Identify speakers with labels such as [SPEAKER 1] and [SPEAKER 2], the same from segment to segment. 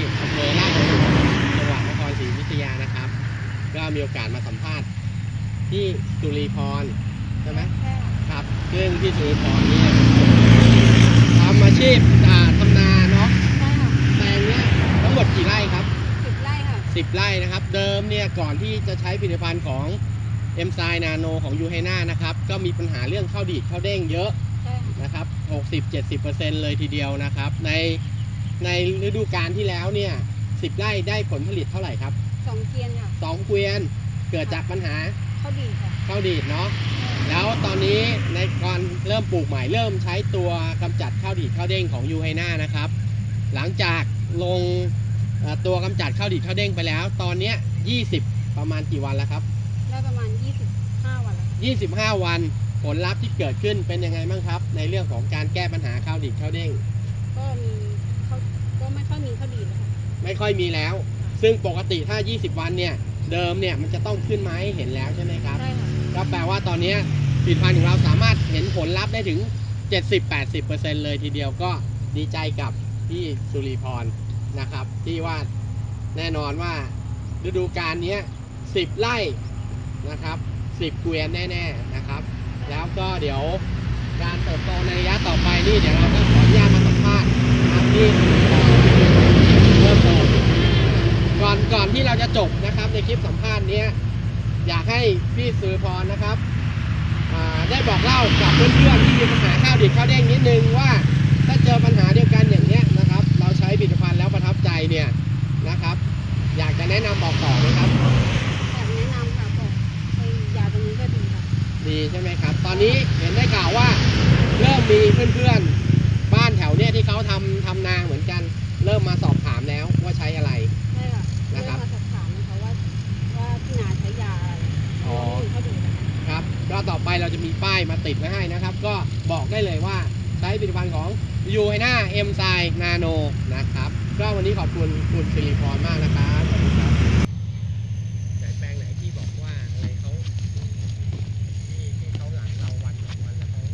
[SPEAKER 1] อำเภอราชบุรีจังหวัดนครศรีอยุธยานะครับก็มีโอกาสมาสัมภาษณ์ที่จุลีพรใช่ไหมครับซึ่งที่จุลีพรนี่ทำอาชีพทำนาเนาะใช่ค่ะแปลงเนี้ยทั้งหมดกี่ไร่ครับ10 ไร่ค่ะ10 ไร่นะครับเดิมเนี่ยก่อนที่จะใช้ผลิตภัณฑ์ของเอ็มไซนาโนของยูไฮน่านะครับก็มีปัญหาเรื่องข้าวดีดข้าวเด้งเยอะนะครับ60-70%เลยทีเดียวนะครับในฤดูกาลที่แล้วเนี่ย10 ไร่ได้ผลผลิตเท่าไหร่ครับ2 เกวียนค่ะ2 เกวียนเกิดจากปัญหาข้าวดีดค่ะข้าวดีดเนาะแล้วตอนนี้ในก่อนเริ่มปลูกใหม่เริ่มใช้ตัวกำจัดข้าวดีดข้าวเด้งของยูไฮน่านะครับหลังจากลงตัวกำจัดข้าวดีดข้าวเด้งไปแล้วตอนนี้20ประมาณกี่วันแล้วครับได้ประมาณ25 วันแล้ว25 วันผลลัพธ์ที่เกิดขึ้นเป็นยังไงบ้างครับในเรื่องของการแก้ปัญหาข้าวดีดข้าวเด้งก็ไม่ค่อยมีข้าวดีดแล้วไม่ค่อยมีแล้วซึ่งปกติถ้า20 วันเนี่ยเดิมเนี่ยมันจะต้องขึ้นมาให้เห็นแล้วใช่ไหมครับใช่ค่ะก็แปลว่าตอนนี้ผลิตภัณฑ์ของเราสามารถเห็นผลลัพธ์ได้ถึง 70-80% เลยทีเดียวก็ดีใจกับพี่สุริพรนะครับที่ว่าแน่นอนว่าฤดูกาลนี้10 ไร่นะครับ10 เกวียนแน่ๆนะครับแล้วก็เดี๋ยวการเติบโตในระยะต่อไปนี่เดี๋ยวเราก็ขออนุญาตมาสัมภาษณ์นะครับที่เริ่มต้นก่อนที่เราจะจบนะครับในคลิปสัมภาษณ์นี้อยากให้พี่สุริพรนะครับได้บอกเล่ากับเพื่อนๆที่มีปัญหาข้าวดีดข้าวเด้งนิดนึงว่าถ้าเจอปัญหาเดียวกันอย่างนี้นะครับเราใช้ผลิตภัณฑ์แล้วประทับใจเนี่ยนะครับอยากจะแนะนำบอกต่อไหมครับอยากแนะนำค่ะบอกยาตัวนี้ก็ดีค่ะดีใช่ไหมครับตอนนี้เห็นได้ข่าวว่าเริ่มมีเพื่อนๆบ้านแถวเนี้ยที่เขาทำนาเหมือนกันเริ่มมาสอบถามแล้วว่าใช้อะไรใช่ค่ะนะครับมาสอบถามนะคะว่าที่นาใช้ยาอะไรอ๋อเขาดูครับก็ต่อไปเราจะมีป้ายมาติดไว้ให้นะครับก็บอกได้เลยว่าใช้ผลิตภัณฑ์ของยูไฮน่าเอ็มไซนาโนนะครับก็วันนี้ขอบคุณคุณสิริพรมากนะครับขอบคุณครับแปลงไหนที่บอกว่าอะไรเขาที่เขาหลังเราวัน2 วันแล้วเขา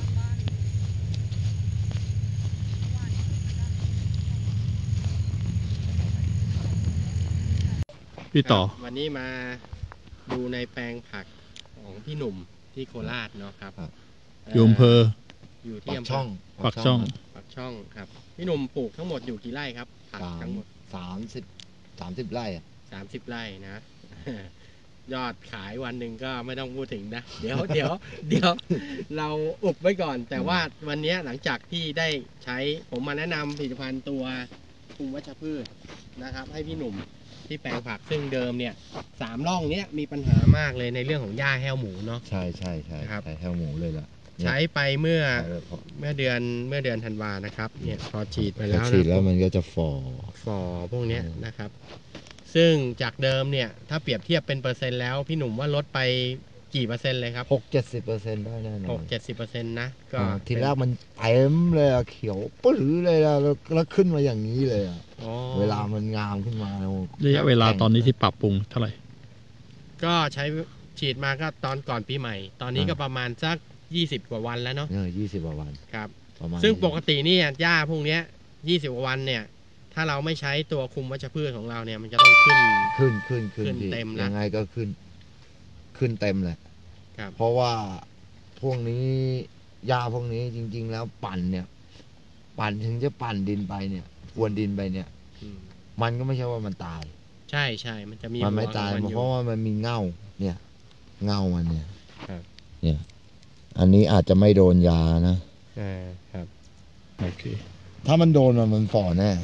[SPEAKER 2] พี่ต่อ
[SPEAKER 1] วันนี้มาดูในแปลงผักของพี่หนุ่มที่โคราชเนาะครับ
[SPEAKER 2] อยู่อำเภอ
[SPEAKER 1] อยู่ที่
[SPEAKER 2] ปากช่อง
[SPEAKER 1] ครับพี่หนุ่มปลูกทั้งหมดอยู่กี่ไร่ครับผักทั้งหมด
[SPEAKER 2] 30 ไร่
[SPEAKER 1] 30 ไร่นะยอดขายวันหนึ่งก็ไม่ต้องพูดถึงนะเดี๋ยวเราอุบไว้ก่อนแต่ว่าวันนี้หลังจากที่ได้ใช้ผมมาแนะนำผลิตภัณฑ์ตัวคุมวัชพืชนะครับให้พี่หนุ่มที่แปลงผักซึ่งเดิมเนี่ย3 ร่องเนี้ยมีปัญหามากเลยในเรื่องของหญ้าแห้วหมูเนาะ
[SPEAKER 2] ใช่ครับแห้วหมูเลยล่ะ
[SPEAKER 1] ใช้ไปเมื่อเดือนธันวานะครับเนี่ยพอฉีดไปแล้ว
[SPEAKER 2] มันก็จะ
[SPEAKER 1] ฝ่อพวกนี้นะครับซึ่งจากเดิมเนี่ยถ้าเปรียบเทียบเป็นเปอร์เซ็นต์แล้วพี่หนุ่มว่าลดไปกี่เปอร์เซ็นต์เลยครับ
[SPEAKER 2] 60-70%ได้แน่นอน
[SPEAKER 1] 60-70%นะก็
[SPEAKER 2] ทีแรกมันเต็มเลยเขียวปื้อเลยแล้วขึ้นมาอย่างนี้เลยเวลามันงามขึ้นมา
[SPEAKER 3] ระยะเวลาตอนนี้ที่ปรับปรุงเท่าไหร่
[SPEAKER 1] ก็ใช้ฉีดมาก็ตอนก่อนปีใหม่ตอนนี้ก็ประมาณสัก20 กว่าวันแล้วเนาะ
[SPEAKER 2] 20 กว่าวัน
[SPEAKER 1] ครับซึ่งปกตินี่หญ้าพวกนี้20 กว่าวันเนี่ยถ้าเราไม่ใช้ตัวคุมวัชพืชของเราเนี่ยมันจะต้องขึ้นเต็ม
[SPEAKER 2] ยังไงก็ขึ้นเต็มเลยเพราะว่าพวกนี้หญ้าพวกนี้จริงๆแล้วปั่นถึงจะปั่นดินไปเนี่ยพรวนดินไปเนี่ยมันก็ไม่ใช่ว่ามันตาย
[SPEAKER 1] ใช่มันจะมี
[SPEAKER 2] มันไม่ตายเพราะว่ามันมีเง่ามันเนี่ยอันนี้อาจจะไม่โดนยานะครับ
[SPEAKER 3] โอเค
[SPEAKER 2] ถ้ามันโดนมันฝ่อแน่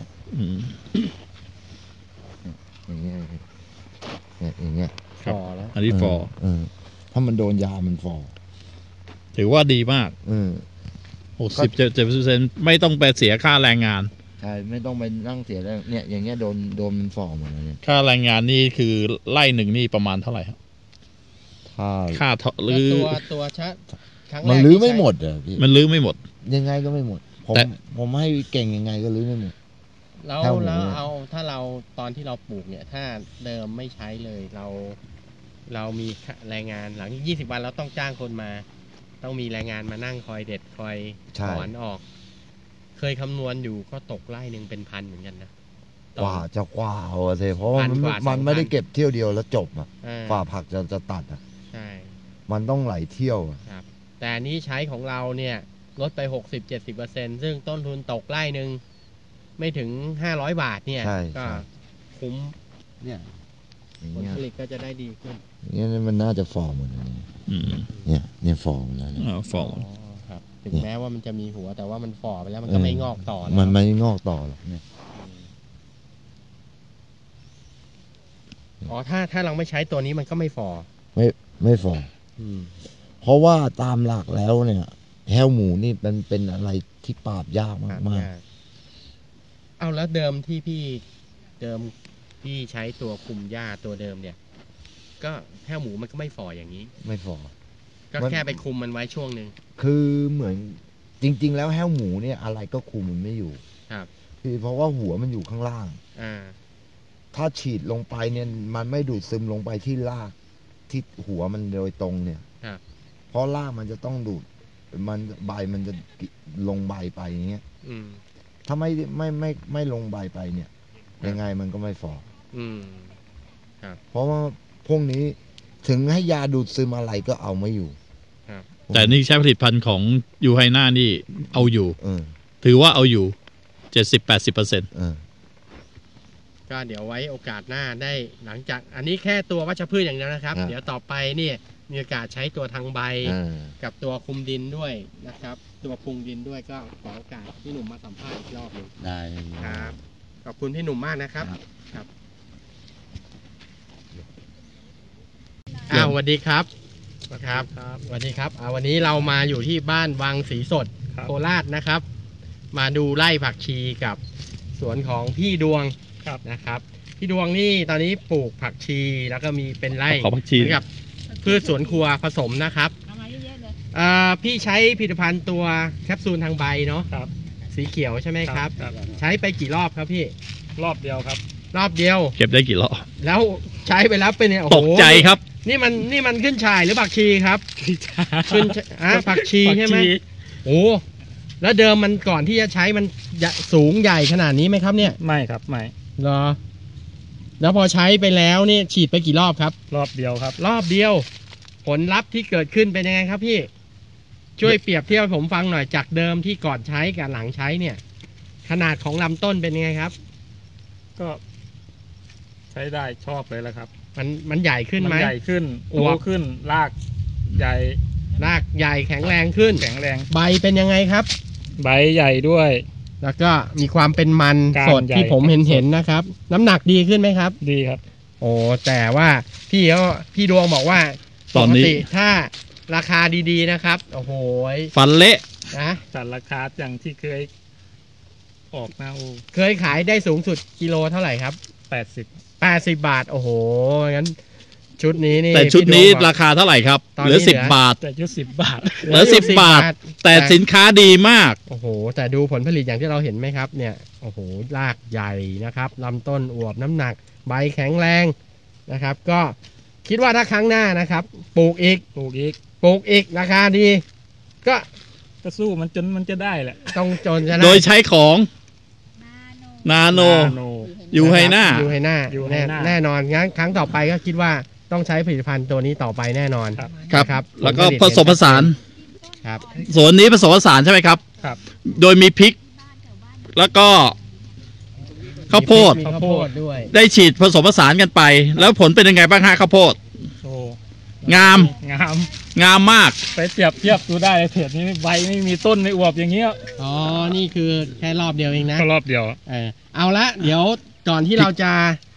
[SPEAKER 2] อย่างเงี้ย
[SPEAKER 1] ฝ่อแล้ว
[SPEAKER 3] อันนี้ฝ่อ
[SPEAKER 2] ถ้ามันโดนยามันฝ่อ
[SPEAKER 3] ถือว่าดีมาก60-70%ไม่ต้องไปเสียค่าแรงงาน
[SPEAKER 2] ใช่ไม่ต้องไปนั่งเสียแล้วเนี่ยอย่างเงี้ยโดนมันฝ่อหมดแล้วเนี่ย
[SPEAKER 3] ค่าแรงงานนี่คือไร่หนึ่งนี่ประมาณเท่าไหร่ครับค่ารื้อ
[SPEAKER 1] ตัว
[SPEAKER 2] มันรื้อไม่หมดอ่ะพี่
[SPEAKER 3] มันรื้อไม่หมด
[SPEAKER 2] ยังไงก็ไม่หมดผมให้เก่งยังไงก็รื้อไม่หมด
[SPEAKER 1] แล้วเอาถ้าเราตอนที่เราปลูกเนี่ยถ้าเดิมไม่ใช้เลยเรามีแรงงานหลัง20 วันเราต้องจ้างคนมาต้องมีแรงงานมานั่งคอยเด็ดคอยถอนออกเคยคำนวณอยู่ก็ตกไร่หนึ่งเป็น1,000เหมือนกันนะต่
[SPEAKER 2] กว่าจะกว่าเอาสิเพราะว่า
[SPEAKER 1] พันกว่า
[SPEAKER 2] มัน
[SPEAKER 1] 2,000
[SPEAKER 2] ไม่ได้เก็บเที่ยวเดียวแล้วจบอ่ะ
[SPEAKER 1] อ่า
[SPEAKER 2] กว่าผักจะตัดอ่ะ
[SPEAKER 1] ใช่
[SPEAKER 2] มันต้องหลายเที่ยวอะ
[SPEAKER 1] ครับแต่อันนี้ใช้ของเราเนี่ยลดไป 60-70%ซึ่งต้นทุนตกไร่หนึ่งไม่ถึง500 บาทเนี่ย
[SPEAKER 2] ใช่
[SPEAKER 1] ก็
[SPEAKER 2] ใช่
[SPEAKER 1] คุ้ม
[SPEAKER 2] อย่าง
[SPEAKER 1] ผล
[SPEAKER 2] เงี้ย
[SPEAKER 1] ผลิตก็จะได้ดีขึ้น
[SPEAKER 2] อย่างเงี้ยมันน่าจะฟอร์มหมดเลย
[SPEAKER 3] อืม
[SPEAKER 2] เนี่ยฟอร์มแล้วเนี่ย
[SPEAKER 3] ฟอร์ม
[SPEAKER 1] ครับถึงแม้ว่ามันจะมีหัวแต่ว่ามันฝ่อไปแล้วมันก็ไม่งอกต่อแล้ว
[SPEAKER 2] มันไม่งอกต่อหรอกเนี่ย
[SPEAKER 1] อ๋อถ้าเราไม่ใช้ตัวนี้มันก็ไม่ฝ่อ
[SPEAKER 2] ไม่ฟอร์มเพราะว่าตามหลักแล้วเนี่ยแห้วหมูนี่มันเป็นอะไรที่ปราบยากมาก
[SPEAKER 1] เอาแล้วเดิมพี่ใช้ตัวคุมหญ้าตัวเดิมเนี่ย ก็แห้วหมูมันก็ไม่ฝ่ออย่างนี้
[SPEAKER 2] ๆไม่ฟอร์ม
[SPEAKER 1] ก็
[SPEAKER 2] มัน
[SPEAKER 1] แค่ไปคุมมันไว้ช่วงหนึ่ง
[SPEAKER 2] คือเหมือนจริง ๆ แล้วแห้วหมูเนี่ยอะไรก็คุมมันไม่อยู่
[SPEAKER 1] ครับ
[SPEAKER 2] คือเพราะว่าหัวมันอยู่ข้างล่าง
[SPEAKER 1] อ่า
[SPEAKER 2] ถ้าฉีดลงไปเนี่ยมันไม่ดูดซึมลงไปที่รากที่หัวมันโดยตรงเนี่ย
[SPEAKER 1] ครับ
[SPEAKER 2] เพราะรากมันจะต้องดูดมันใบมันจะลงใบไปอย่างเงี้ย
[SPEAKER 1] อืม
[SPEAKER 2] ถ้าไม่ลงใบไปเนี่ย ยังไงมันก็ไม่ฟอร์ม
[SPEAKER 1] อืม
[SPEAKER 2] เพราะว่าพวกนี้ถึงให้ยาดูดซึมอะไรก็เอาไม่อยู่
[SPEAKER 1] ครับ
[SPEAKER 3] แต่นี่ใช้ผลิตภัณฑ์ของยูไฮน่านี่เอาอยู่
[SPEAKER 2] เออ
[SPEAKER 3] ถือว่าเอาอยู่ 70-80%
[SPEAKER 2] เออ
[SPEAKER 1] ก็เดี๋ยวไว้โอกาสหน้าได้หลังจากอันนี้แค่ตัววัชพืชอย่างเดียวนะครับ เดี๋ยวต่อไปเนี่ยมีโอกาสใช้ตัวทางใบ กับตัวคุมดินด้วยนะครับ ตัวปรุงดินด้วยก็ขอโอกาสพี่หนุ่มมาสัมภาษณ์อีกรอบหนึ่ง
[SPEAKER 2] ได้
[SPEAKER 1] ครับขอบคุณพี่หนุ่มมากนะครับ
[SPEAKER 2] ครับ
[SPEAKER 1] สวัสดีครับครับสวัสดีครับวันนี้เรามาอยู่ที่บ้านวังศรีสดโคราชนะครับ มาดูไร่ผักชีกับสวนของพี่ดวงนะครับพี่ดวงนี่ตอนนี้ปลูกผักชีแล้วก็มีเป็นไร่
[SPEAKER 3] ขอผักชี
[SPEAKER 1] เหมือนกับพืชสวนครัวผสมนะครับ
[SPEAKER 4] เอามาเยอะๆเลย
[SPEAKER 1] พี่ใช้ผลิตภัณฑ์ตัวแคปซูลทางใบเนาะ
[SPEAKER 5] ครับ
[SPEAKER 1] สีเขียวใช่ไหมครับ ใช้ไปกี่รอบครับพี่
[SPEAKER 5] รอบเดียวครับ
[SPEAKER 1] รอบเดียว
[SPEAKER 3] เก็บได้กี่รอบ
[SPEAKER 1] แล้วใช้ไปแล้วเป็นเนี่ยโอ้
[SPEAKER 3] ต
[SPEAKER 1] โห
[SPEAKER 3] กใจครับ
[SPEAKER 1] นี่มันขึ้นชายหรือผักชีครับขึ้นผักชีใช่ไหมโอ้แล้วเดิมมันก่อนที่จะใช้มันสูงใหญ่ขนาดนี้ไหมครับเนี่ย
[SPEAKER 5] ไม่ครับไม่
[SPEAKER 1] เหรอแล้วพอใช้ไปแล้วเนี่ยฉีดไปกี่รอบครับ
[SPEAKER 5] รอบเดียวครับ
[SPEAKER 1] รอบเดียว ผลลัพธ์ที่เกิดขึ้นเป็นยังไงครับพี่ ช่วยเปรียบเทียบให้ผมฟังหน่อยจากเดิมที่ก่อนใช้กับหลังใช้เนี่ย ขนาดของลำต้นเป็นยังไงครับ
[SPEAKER 5] ก็ใช้ได้ชอบเลยแหละครับ
[SPEAKER 1] มันใหญ่ขึ้นไหม
[SPEAKER 5] ใหญ่ขึ้น
[SPEAKER 1] อ
[SPEAKER 5] โต
[SPEAKER 1] วบ
[SPEAKER 5] ขึ้นรากใหญ่
[SPEAKER 1] รากใหญ่แข็งแรงขึ้น
[SPEAKER 5] แข็งแรง
[SPEAKER 1] ใบเป็นยังไงครับ
[SPEAKER 5] ใบใหญ่ด้วย
[SPEAKER 1] แล้วก็มีความเป็นมัน
[SPEAKER 5] ก้าน
[SPEAKER 1] สดที่
[SPEAKER 5] ใหญ่
[SPEAKER 1] ผม
[SPEAKER 5] ครับ
[SPEAKER 1] เห็นนะครับ น้ำหนักดีขึ้นไหมครับ
[SPEAKER 5] ดีครับ
[SPEAKER 1] โอ้แต่ว่าพี่ดวงบอกว่า
[SPEAKER 3] ตอนนี้
[SPEAKER 1] ปกติถ้าราคาดีๆนะครับโอ้โห
[SPEAKER 3] ฟันเละ
[SPEAKER 1] นะ
[SPEAKER 5] จัดราคาอย่างที่เคยออกนะโอ้
[SPEAKER 1] เคยขายได้สูงสุดกิโลเท่าไหร่ครับ
[SPEAKER 5] 80
[SPEAKER 1] 80 บาท โอ้โหงั้นชุดนี้นี่
[SPEAKER 3] แต่ชุดนี้
[SPEAKER 1] พี่วงบอก
[SPEAKER 3] ราคาเท่าไหร่ครับ
[SPEAKER 1] ตอน
[SPEAKER 3] เห
[SPEAKER 1] นี้
[SPEAKER 3] ลือ
[SPEAKER 1] เหลือ
[SPEAKER 3] 10 บาท
[SPEAKER 5] แต่ยุด10 บาท
[SPEAKER 3] เหลือ10 บาท แต่สินค้าดีมาก
[SPEAKER 1] โอ้โห แต่ดูผลผลิตอย่างที่เราเห็นไหมครับ เนี่ย โอ้โห รากใหญ่นะครับลำต้นอวบน้ำหนัก ใบแข็งแรงนะครับ ก็คิดว่าถ้าครั้งหน้านะครับ ปลูกอีก
[SPEAKER 5] ปลูกอีก
[SPEAKER 1] ราคาดี ก็
[SPEAKER 5] ก็สู้มันจนมันจะได้แหละ
[SPEAKER 1] ต้องจนชนะ
[SPEAKER 3] โดยใช้ของ
[SPEAKER 4] นาโน
[SPEAKER 3] นาโน ยูไฮน่า
[SPEAKER 1] ยูไฮน่า
[SPEAKER 5] ยูไฮน่า
[SPEAKER 1] แน่นอนงั้นครั้งต่อไปก็คิดว่าต้องใช้ผลิตภัณฑ์ตัวนี้ต่อไปแน่นอน
[SPEAKER 5] ครับ
[SPEAKER 3] ครับ
[SPEAKER 1] นะครับ
[SPEAKER 3] แล้วก็
[SPEAKER 1] ผลผลิต
[SPEAKER 3] ผสมผสาน
[SPEAKER 1] ครับ
[SPEAKER 3] สวนนี้ผสมผสานใช่ไหมครับ
[SPEAKER 5] ครับ
[SPEAKER 3] โดยมีพริก แล้วก็ข้าวโพด
[SPEAKER 1] มีข้าวโพดด้วย
[SPEAKER 3] ได้ฉีดผสมผสานกันไป แล้วผลเป็นยังไงบ้างฮะข้าวโพด
[SPEAKER 5] โอ้
[SPEAKER 3] งาม
[SPEAKER 5] งาม
[SPEAKER 3] งามมาก
[SPEAKER 5] ไปเปรียบเทียบดูได้เลยเพจนี้ใบไม่มีต้นไม่อวบอย่างเงี้ย
[SPEAKER 1] อ๋อ นี่คือแค่รอบเดียวเองนะ
[SPEAKER 5] ก็รอบเดียว
[SPEAKER 1] เอาละเดี๋ยวก่อนที่เราจะ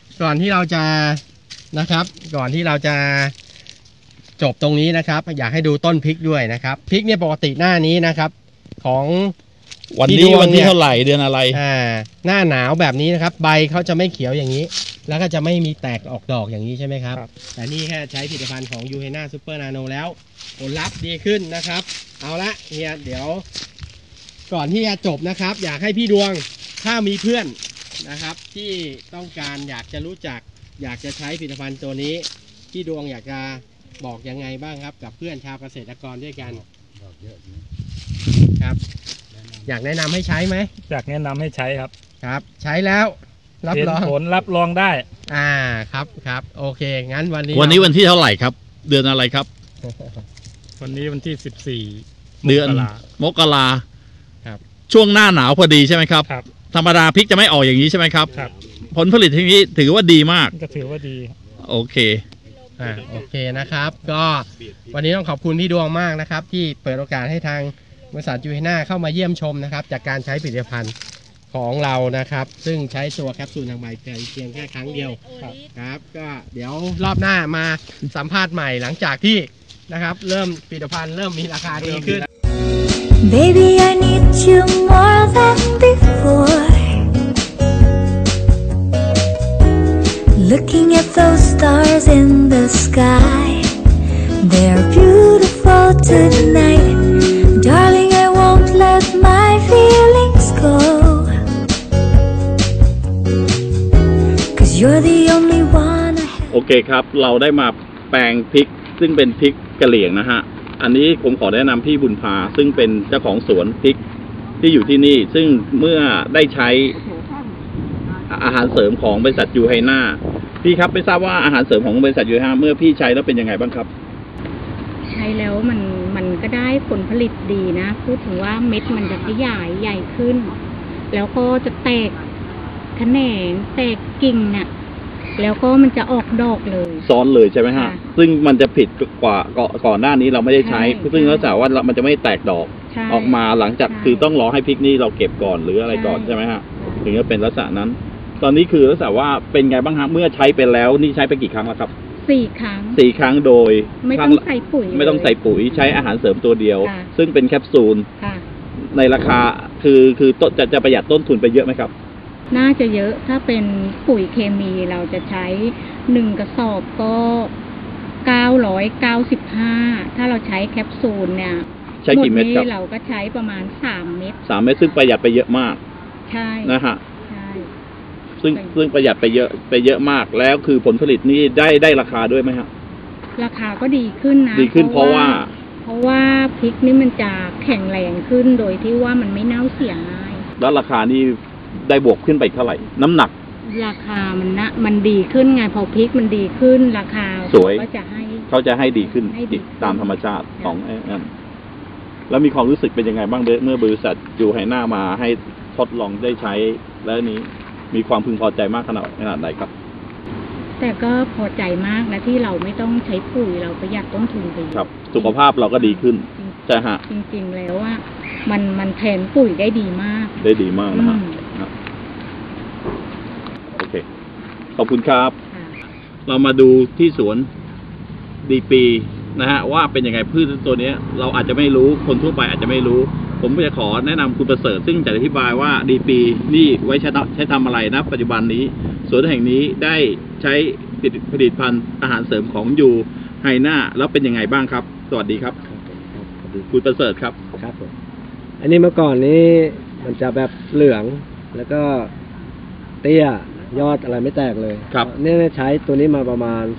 [SPEAKER 1] นะครับ ก่อนที่เราจะจบตรงนี้นะครับ อยากให้ดูต้นพริกด้วยนะครับพริกเนี่ยปกติหน้านี้นะครับ ของ
[SPEAKER 3] วัน
[SPEAKER 1] พี่
[SPEAKER 3] นี้
[SPEAKER 1] ดวง
[SPEAKER 3] วันที่
[SPEAKER 1] เนี่ย
[SPEAKER 3] เท่าไหร่เดือนอะไร
[SPEAKER 1] หน้าหนาวแบบนี้นะครับ ใบเขาจะไม่เขียวอย่างนี้ แล้วก็จะไม่มีแตกออกดอกอย่างนี้ใช่ไหมครับ
[SPEAKER 5] ครับ
[SPEAKER 1] แต่นี่แค่ใช้ผลิตภัณฑ์ของยูเฮนาซูเปอร์นาโนแล้วผลลัพธ์ดีขึ้นนะครับ เอาละเฮียเดี๋ยว ก่อนที่จะจบนะครับ อยากให้พี่ดวงถ้ามีเพื่อนนะครับ ที่ต้องการอยากจะรู้จัก อยากจะใช้ผลิตภัณฑ์ตัวนี้พี่ดวงอยากจะบอกยังไงบ้างครับ กับเพื่อนชาวเกษตรกรด้วยกันครับ อยากแนะนำให้ใช้ไหม
[SPEAKER 5] อยากแนะนำให้ใช้ครับ
[SPEAKER 1] ครับ ใช้แล้วรับ
[SPEAKER 5] เห็น
[SPEAKER 1] รอง
[SPEAKER 5] ผลรับรองได้
[SPEAKER 1] ครับโอเคงั้นวันนี้
[SPEAKER 3] วันที่เท่าไหร่ครับ เดือนอะไรครับ
[SPEAKER 5] วันนี้วันที่14
[SPEAKER 3] เดือน
[SPEAKER 5] มกรา
[SPEAKER 3] มกรา ช่วงหน้าหนาวพอดีใช่ไหมครับ
[SPEAKER 5] ครับ
[SPEAKER 3] ธรรมดาพริกจะไม่ออกอย่างนี้ใช่ไหมครับ
[SPEAKER 5] ครับ
[SPEAKER 3] ผลผลิตที่นี้ถือว่าดีมาก
[SPEAKER 5] ก็ถือว่าดี
[SPEAKER 3] โอเค
[SPEAKER 1] โอเคนะครับ ก็วันนี้ต้องขอบคุณพี่ดวงมากนะครับ ที่เปิดโอกาสให้ทางบริษัทยูเฮน่าเข้ามาเยี่ยมชมนะครับ จากการใช้ผลิตภัณฑ์ของเรานะครับ ซึ่งใช้ตัวแคปซูลทางใบเพียงแค่ครั้งเดียวครับก็เดี๋ยวรอบหน้ามาสัมภาษณ์ใหม่หลังจากที่นะครับ เริ่มผลิตภัณฑ์เริ่มมีราคาดีขึ้น
[SPEAKER 6] Baby, I need you more than before. Looking at those stars in the sky, they're beautiful tonight. Darling, I won't let my feelings go. 'Cause you're the only one I have.
[SPEAKER 3] โอเคครับ เราได้มาแปลงพริกซึ่งเป็นพริกกะเหรี่ยงนะฮะ อันนี้ผมขอแนะนำพี่บุญพาซึ่งเป็นเจ้าของสวนพริกที่อยู่ที่นี่ ซึ่งเมื่อได้ใช้อาหารเสริมของบริษัทยูไฮน่าพี่ครับไม่ทราบว่าอาหารเสริมของบริษัทยูไฮน่าเมื่อพี่ใช้แล้วเป็นยังไงบ้างครับ
[SPEAKER 4] ใช้แล้วมันก็ได้ผลผลิตดีนะ พูดถึงว่าเม็ดมันจะขยายใหญ่ขึ้น แล้วก็จะแตกแขนงแตกกิ่งน่ะแล้วก็มันจะออกดอกเลย
[SPEAKER 3] ซ้อนเลยใช่ไหมฮะ
[SPEAKER 4] ค่ะ
[SPEAKER 3] ซึ่งมันจะผิดกว่าก่อนหน้านี้เราไม่ได้ใช้
[SPEAKER 4] ใช่
[SPEAKER 3] ซึ่งลักษณะว่ามันจะไม่แตกดอก
[SPEAKER 4] ใช่
[SPEAKER 3] ออกมาหลังจาก
[SPEAKER 4] ใช่
[SPEAKER 3] คือต้องรอให้พริกนี่เราเก็บก่อนหรืออะไรก่อน
[SPEAKER 4] ใช่
[SPEAKER 3] ใช่ไหมฮะ ถึงจะเป็นลักษณะนั้น ตอนนี้คือลักษณะว่าเป็นไงบ้างฮะเมื่อใช้ไปแล้วนี่ใช้ไปกี่ครั้งแล้วครับ
[SPEAKER 4] 4 ครั้ง
[SPEAKER 3] 4 ครั้งโดย
[SPEAKER 4] ไม่
[SPEAKER 3] ค
[SPEAKER 4] ต้
[SPEAKER 3] รั้
[SPEAKER 4] อง
[SPEAKER 3] ละ
[SPEAKER 4] ใส่ปุ๋ย
[SPEAKER 3] ไม่ต้องใส่ปุ๋ยใช้อาหารเสริมตัวเดียว
[SPEAKER 4] ค่ะ
[SPEAKER 3] ซึ่งเป็นแคปซูล
[SPEAKER 4] ค่ะ
[SPEAKER 3] ในราคาคือต้นจะประหยัดต้นทุนไปเยอะไหมครับ
[SPEAKER 4] น่าจะเยอะถ้าเป็นปุ๋ยเคมีเราจะใช้1 กระสอบก็995ถ้าเราใช้แคปซูลเนี่ย
[SPEAKER 3] ใช้กี่เม็ดครับ
[SPEAKER 4] หนี้เราก็ใช้ประมาณ3 เม็ด
[SPEAKER 3] 3 เม็ดซึ่งประหยัดไปเยอะมาก
[SPEAKER 4] ใช่
[SPEAKER 3] นะฮะ
[SPEAKER 4] ใช่
[SPEAKER 3] ซึ่งประหยัดไปเยอะมากแล้วคือผลผลิตนี่ได้ราคาด้วยไหมครับ
[SPEAKER 4] ราคาก็ดีขึ้นนะ
[SPEAKER 3] ดีขึ้นเพราะว่า
[SPEAKER 4] พริกนี่มันจะแข็งแรงขึ้นโดยที่ว่ามันไม่เน่าเสียง่าย
[SPEAKER 3] แล้วราคานี่ได้บวกขึ้นไปเท่าไหร่ น้ำหนัก
[SPEAKER 4] ราคามันดีขึ้นไงพอพริกมันดีขึ้นราคา
[SPEAKER 3] สวย
[SPEAKER 4] ก็จะให้
[SPEAKER 3] เขาจะให้ดีขึ้น
[SPEAKER 4] ให้ดีขึ้น
[SPEAKER 3] ตามธรรมชาติของนั่นแล้วมีความรู้สึกเป็นยังไงบ้างเมื่อบริษัทยูไฮน่ามาให้ทดลองได้ใช้แล้วนี้มีความพึงพอใจมากขนาดไหนครับ
[SPEAKER 4] แต่ก็พอใจมากนะที่เราไม่ต้องใช้ปุ๋ยเราประหยัดต้นทุนไป
[SPEAKER 3] ครับ สุขภาพเราก็ดีขึ้นใช่ฮะ
[SPEAKER 4] จริงๆแล้วว่ามันแทนปุ๋ยได้ดีมาก
[SPEAKER 3] ได้ดีมากนะฮะ
[SPEAKER 4] อืม
[SPEAKER 3] ครับโอเค ขอบคุณครับ
[SPEAKER 4] ค่ะ
[SPEAKER 3] เรามาดูที่สวนดีปีนะฮะว่าเป็นยังไงพืชตัวเนี้ย เราอาจจะไม่รู้คนทั่วไปอาจจะไม่รู้ ผมจะขอแนะนำคุณประเสริฐซึ่งจะอธิบายว่าดีปีนี่ไว้ใช้ทำอะไรนะปัจจุบันนี้สวนแห่งนี้ได้ใช้ผลิตภัณฑ์อาหารเสริมของยูไฮน่าแล้วเป็นยังไงบ้างครับ สวัสดีครับ คุณประเสริฐครับ
[SPEAKER 7] ครับผมอันนี้เมื่อก่อนนี้มันจะแบบเหลืองแล้วก็เตี้ยยอดอะไรไม่แตกเลย
[SPEAKER 3] ครับ
[SPEAKER 7] เนี่ยใช้ตัวนี้มาประมาณ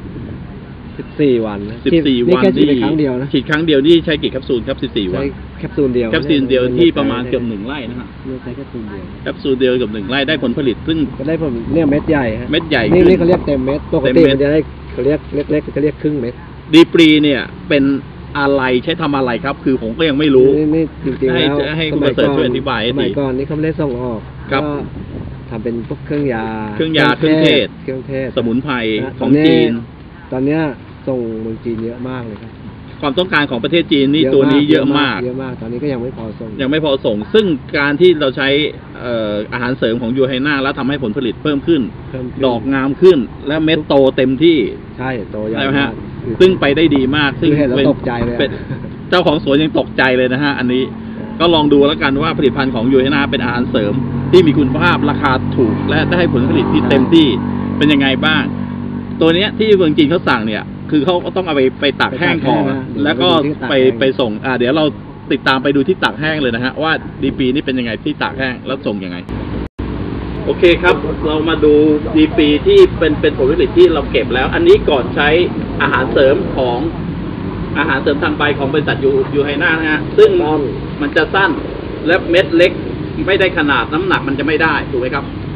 [SPEAKER 7] 14 วันนะ
[SPEAKER 3] 14 วัน
[SPEAKER 7] แค่ฉีดไปครั้งเดียวนะ
[SPEAKER 3] ฉีดครั้งเดียวนี่ใช้กี่แคปซูลครับ14 วัน
[SPEAKER 7] ใช้แคปซูลเดียว
[SPEAKER 3] แคปซูลเดียวที่ประมาณเกือบ1 ไร่นะฮะ
[SPEAKER 7] ไม่ใช้แคปซูลเดียว
[SPEAKER 3] แคปซูลเดียวเกือบ1 ไร่ได้ผลผลิตซึ่ง
[SPEAKER 7] ก็ได้ผมเนี่ยเม็ดใหญ่ฮะ
[SPEAKER 3] เม็ดใหญ่
[SPEAKER 7] นี่
[SPEAKER 3] ขึ้น
[SPEAKER 7] นี่เขาเรียกเต็มเม็ดปก
[SPEAKER 3] เต็ม
[SPEAKER 7] ติ
[SPEAKER 3] เม็ด
[SPEAKER 7] มันจะได้เขาเรียกเล็กๆเขาเรียกครึ่งเม็ด
[SPEAKER 3] ดีปรีเนี่ยเป็นอะไรใช้ทำอะไรครับ คือผมก็ยังไม่รู้
[SPEAKER 7] นี่จริงๆแล้ว
[SPEAKER 3] ให้คุณประเสริฐช่วยอธิบายให้
[SPEAKER 7] สมัย
[SPEAKER 3] ดี
[SPEAKER 7] ก่อนนี่เขาไม่ได้ส่งออก
[SPEAKER 3] ครับ
[SPEAKER 7] ก็ทำเป็นพวกเครื่องยา
[SPEAKER 3] เครื่องยาเครื่องเทศ
[SPEAKER 7] เครื่องเทศ
[SPEAKER 3] สมุนไพร
[SPEAKER 7] นะ
[SPEAKER 3] ของจีน
[SPEAKER 7] ตอนเนี้ยส่งเมืองจีนเยอะมากเลยครับ
[SPEAKER 3] ความต้องการของประเทศจีนนี่ตัวนี้เยอะมาก
[SPEAKER 7] เยอะมากตอนนี้ก็ยังไม่พอส่ง
[SPEAKER 3] ยังไม่พอส่ง ซึ่งการที่เราใช้อาหารเสริมของยูไฮน่าแล้วทำให้ผลผลิตเพิ่มขึ้น
[SPEAKER 7] เพิ่มขึ้น
[SPEAKER 3] ดอกงามขึ้น และเม็ดโตเต็มที่
[SPEAKER 7] ใช่โตใหญ่
[SPEAKER 3] ใช่ไหม
[SPEAKER 7] มา
[SPEAKER 3] ฮะ
[SPEAKER 7] ก
[SPEAKER 3] ซึ่งไปได้ดีมาก ซึ่ง
[SPEAKER 7] คือเห็นแล้ว
[SPEAKER 3] เป็น
[SPEAKER 7] ตกใจเลยอะ
[SPEAKER 3] เป็นเจ้าของสวนยังตกใจเลยนะฮะ อันนี้ก็ลองดูแล้วกันว่าผลิตภัณฑ์ของยูไฮน่าเป็นอาหารเสริม ที่มีคุณภาพราคาถูก และได้ผลผลิตที่เต็มที่เป็นยังไงบ้าง ตัวเนี้ยที่เมืองจีนเขาสั่งเนี่ย คือเขาก็ต้องเอาไปตากแห้งก่อนแล้วก็ไปส่งเดี๋ยวเราติดตามไปดูที่ตากแห้งเลยนะฮะว่าดีปีนี่เป็นยังไงที่ตากแห้งแล้วส่งยังไง โอเคครับ เรามาดูดีปีที่เป็นผลผลิตที่เราเก็บแล้ว อันนี้ก่อนใช้อาหารเสริมของอาหารเสริมทางใบของบริษัทยูไฮน่านะฮะซึ่งมันจะสั้นและเม็ดเล็กไม่ได้ขนาดน้ำหนักมันจะไม่ได้ถูกไหมครับ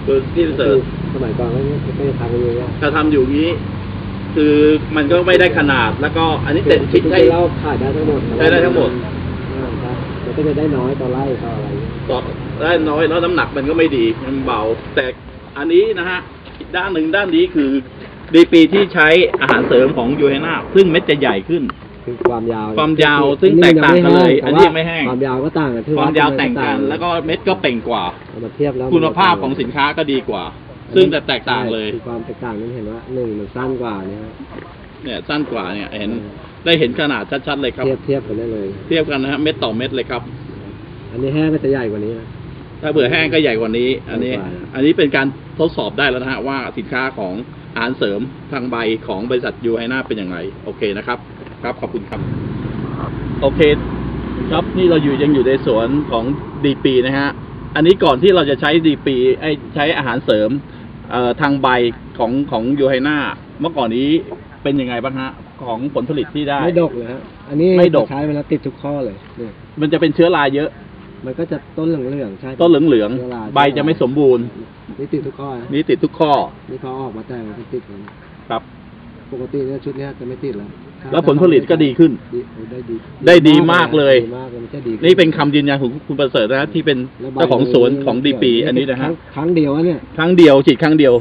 [SPEAKER 3] คือพี่ประเสริฐ
[SPEAKER 7] สมัยก่อนก็จะทำกันอยู่เนี่ย
[SPEAKER 3] ถ้าทำอยู่งี้ คือมันก็ไม่ได้ขนาดแล้วก็อันนี้เต็มชิ้น
[SPEAKER 7] ใช้
[SPEAKER 3] ให้
[SPEAKER 7] เราขายได้ทั้งหมด
[SPEAKER 3] ใช้ได้ทั้งหมด
[SPEAKER 7] ครับมันก็จะได้น้อยต่อไร่ต่ออะไรอย่างเงี้ย
[SPEAKER 3] ต่อได้น้อยแล้วน้ำหนักมันก็ไม่ดีมันเบา แต่อันนี้นะฮะอีกด้านหนึ่งด้านนี้คือดีปีที่ใช้อาหารเสริมของยูเฮนาซึ่งเม็ดจะใหญ่ขึ้น
[SPEAKER 7] คือความยาว
[SPEAKER 3] ความยาวซึ่งแตกต่างกันเลยอันนี้ยังไม่แห้ง
[SPEAKER 7] ความยาวก็ต่างกัน
[SPEAKER 3] ความยาวแต่งกัน แล้วก็เม็ดก็เป่งกว่า
[SPEAKER 7] เอามาเทียบแล้ว
[SPEAKER 3] คุณภาพของสินค้าก็ดีกว่า ซึ่งจะแตกต่างเลย
[SPEAKER 7] คือความแตกต่างนั้นเห็นว่าหนึ่งมันสั้นกว่าเนี่ย
[SPEAKER 3] เนี่ยสั้นกว่าเนี่ยเห็นได้เห็นขนาดชัดๆเลยครับ
[SPEAKER 7] เทียบกันได้เลย
[SPEAKER 3] เทียบกันนะฮะเม็ดต่อเม็ดเลยครับ
[SPEAKER 7] อันนี้แห้งก็จะใหญ่กว่านี้นะ
[SPEAKER 3] ถ้าเบื่อแห้งก็ใหญ่กว่านี้ อันนี้
[SPEAKER 7] ใหญ่กว่า
[SPEAKER 3] อันนี้เป็นการทดสอบได้แล้วนะฮะว่าสินค้าของอาหารเสริมทางใบของบริษัทยูไฮนาเป็นอย่างไรโอเคนะครับ ครับขอบคุณครับ โอเค ครับนี่เรายังอยู่ในสวนของดีปีนะฮะอันนี้ก่อนที่เราจะใช้ดีปีใช้อาหารเสริมทางใบของยูไฮนาเมื่อก่อนนี้เป็นยังไงบ้างฮะของผลผลิตที่ได้
[SPEAKER 7] ไม่ดกเลยฮะอันนี้
[SPEAKER 3] ไม่ดก
[SPEAKER 7] ใช้เวลาติดทุกข้อเลยเนี่ย
[SPEAKER 3] มันจะเป็นเชื้อราเยอะ
[SPEAKER 7] มันก็จะต้นเหลืองๆใช่
[SPEAKER 3] ต้นเหลือง
[SPEAKER 7] ชื้รา
[SPEAKER 3] ๆใบจะไม่สมบูรณ์
[SPEAKER 7] นี่ติดทุกข้อนะ
[SPEAKER 3] นี่ติดทุกข้อ
[SPEAKER 7] นี่เขาออกมาแต่มันก็ติดแล้ว
[SPEAKER 3] ครับ
[SPEAKER 7] ปกติเนี่ยชุดเนี้ยจะไม่ติดแล้ว
[SPEAKER 3] แล้วผลผลิตก็ดีขึ้น
[SPEAKER 7] ได้ดี
[SPEAKER 3] ได้ดีมากเลย
[SPEAKER 7] ดีมากเลยมันจะดีขึ้
[SPEAKER 3] นี่เป็นคำยืนยันของคุณประเสริฐนะที่เป็น
[SPEAKER 7] แล้วใบ
[SPEAKER 3] เจ้าของสวนของดีปีอันนี้นะฮะ
[SPEAKER 7] ครั้งเดียวอะเนี่ย
[SPEAKER 3] ครั้งเดียวฉีดครั้งเดียว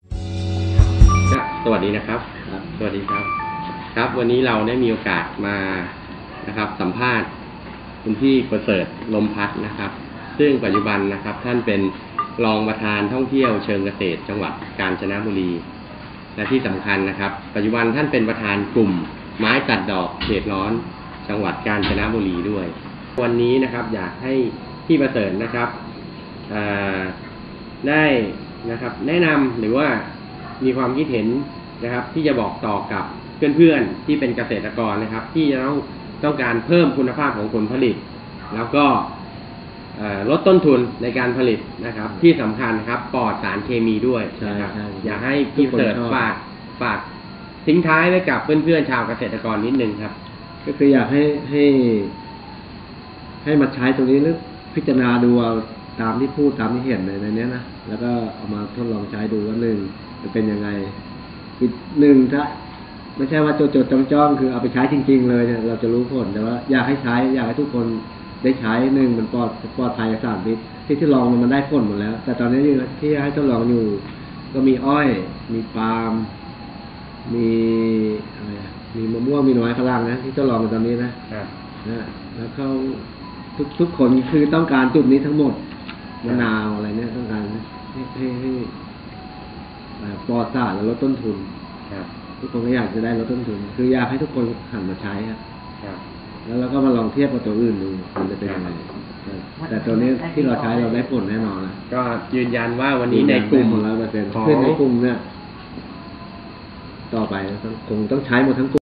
[SPEAKER 1] สวัสดีนะครับ สวัสดีครับ ครับวันนี้เราได้มีโอกาสมานะครับสัมภาษณ์คุณพี่ประเสริฐลมพัดนะครับ ซึ่งปัจจุบันนะครับท่านเป็นรองประธานท่องเที่ยวเชิงเกษตรจังหวัดกาญจนบุรี และที่สำคัญนะครับ ปัจจุบันท่านเป็นประธานกลุ่มไม้ตัดดอกเขตร้อนจังหวัดกาญจนบุรีด้วย วันนี้นะครับอยากให้พี่ประเสริฐนะครับได้นะครับแนะนำหรือว่ามีความคิดเห็นนะครับที่จะบอกต่อกับเพื่อนๆที่เป็นเกษตรกรนะครับ ที่จะต้องการเพิ่มคุณภาพของผลผลิต แล้วก็ลดต้นทุนในการผลิตนะครับ ที่สำคัญครับปลอดสารเคมีด้วยนะครับอยากให้พี่ประเสริฐฝากทิ้งท้ายไว้กับเพื่อนๆชาวเกษตรกรนิดนึงครับ
[SPEAKER 7] ก็คืออยากให้มาใช้ตรงนี้หรือพิจารณาดูเอาตามที่พูดตามที่เห็นในนี้นะแล้วก็เอามาทดลองใช้ดูว่าหนึ่งจะเป็นยังไงอีกหนึ่งถ้าไม่ใช่ว่าจดจ้องคือเอาไปใช้จริงๆเลยเนี่ยเราจะรู้ผลแต่ว่าอยากให้ใช้อยากให้ทุกคนได้ใช้หนึ่งมันปลอดภัยจากสารพิษที่ลองมันได้ผลหมดแล้ว แต่ตอนนี้ที่ให้ทดลองอยู่ก็มีอ้อยมีปาล์มมีอะไรมีมะม่วงมีหน่อไม้ฝรั่งนะที่ทดลองกันตอนนี้นะแล้วเขาทุกคนคือต้องการจุดนี้ทั้งหมดมะนาวอะไรเนี่ยต้องการให้ปลอดสารและลดต้นทุนทุกคนก็อยากจะได้ลดต้นทุนคืออยากให้ทุกคนหันมาใช้ครับแล้วเราก็มาลองเทียบกับตัวอื่นดูมันจะเป็นยังไงแต่ตัวนี้ที่เราใช้เราได้ผลแน่นอนนะ
[SPEAKER 1] ก็ยืนยันว่าวันนี้ในกลุ่ม
[SPEAKER 7] ของเราเป็นเพื่อนในกลุ่มเนี่ยต่อไปคงต้องใช้หมดทั้งกลุ่ม